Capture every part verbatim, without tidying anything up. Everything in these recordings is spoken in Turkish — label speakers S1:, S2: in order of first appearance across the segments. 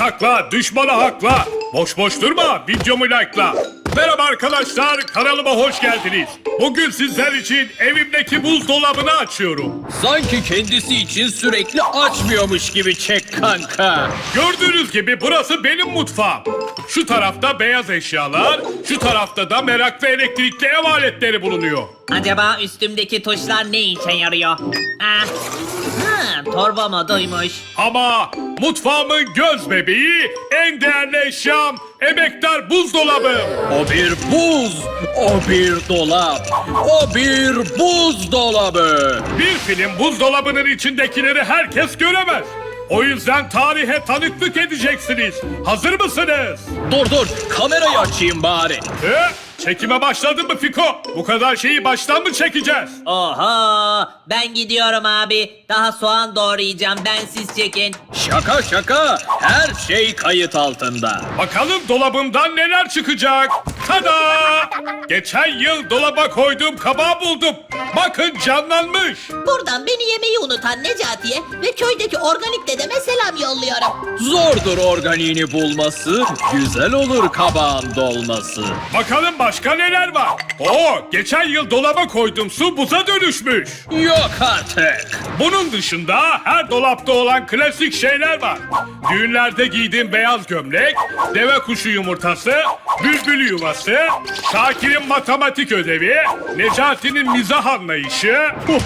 S1: takla, düşmanı hakla. Boş boş durma, videomu like'la. Merhaba arkadaşlar, kanalıma hoş geldiniz. Bugün sizler için evimdeki buzdolabını açıyorum.
S2: Sanki kendisi için sürekli açmıyormuş gibi çek kanka.
S1: Gördüğünüz gibi burası benim mutfağım. Şu tarafta beyaz eşyalar, şu tarafta da merak ve elektrikli ev aletleri bulunuyor.
S3: Acaba üstümdeki tuşlar ne işe yarıyor? Ah. Ha, torba moduymuş.
S1: Ama mutfağımın göz bebeği, en değerli eşyam, emektar buzdolabım.
S2: O bir buz, o bir dolap, o bir buzdolabı.
S1: Bir film buzdolabının içindekileri herkes göremez. O yüzden tarihe tanıklık edeceksiniz. Hazır mısınız?
S2: Dur dur, kamerayı açayım bari.
S1: He? Çekime başladın mı Fiko? Bu kadar şeyi baştan mı çekeceğiz?
S3: Oho, ben gidiyorum abi. Daha soğan doğrayacağım, bensiz çekin.
S2: Şaka şaka, her şey kayıt altında.
S1: Bakalım dolabımdan neler çıkacak? Tada! Geçen yıl dolaba koyduğum kabağı buldum. Bakın canlanmış.
S4: Buradan beni yemeyi unutan Necati'ye ve köydeki organik dedeme selam yolluyorum.
S2: Zordur organiğini bulması, güzel olur kabağın dolması.
S1: Bakalım başka neler var? Oo, geçen yıl dolaba koyduğum su buza dönüşmüş.
S2: Yok artık.
S1: Bunun dışında her dolapta olan klasik şeyler var. Düğünlerde giydiğim beyaz gömlek, deve kuşu yumurtası, bülbül yuvası, Şakir'in matematik ödevi, Necati'nin mizah anlayışı,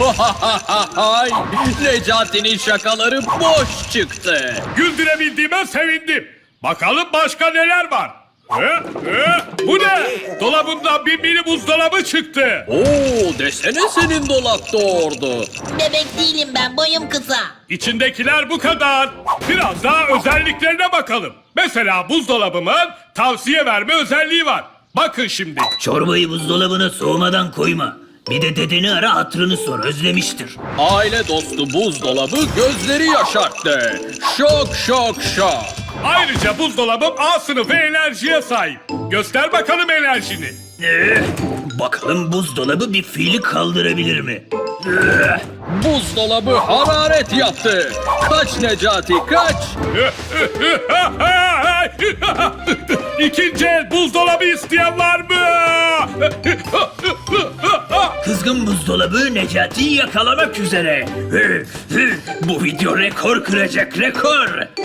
S2: Ay, Necati'nin şakaları boş çıktı.
S1: güldürebildiğime sevindim. Bakalım başka neler var? He, he, bu ne? Dolabımdan bir mini buzdolabı çıktı.
S2: Oo, desene senin dolap doğurdu.
S4: Bebek değilim ben, boyum kısa.
S1: İçindekiler bu kadar. Biraz daha özelliklerine bakalım. Mesela buzdolabımın tavsiye verme özelliği var. Bakın şimdi.
S5: Çorbayı buzdolabına soğumadan koyma. Bir de dedeni ara, hatırını sor, özlemiştir.
S2: Aile dostu buzdolabı gözleri yaşarttı. Şok şok şok.
S1: Ayrıca buzdolabım A sınıfı enerjiye sahip. Göster bakalım enerjini.
S5: Ee, bakalım buzdolabı bir fiili kaldırabilir mi? Ee,
S2: Buzdolabı hararet yaptı. Kaç Necati kaç.
S1: İkinci el buzdolabı isteyen var mı?
S5: kızgın buzdolabı Necati'yi yakalamak üzere. Ee, e, bu video rekor kıracak, rekor.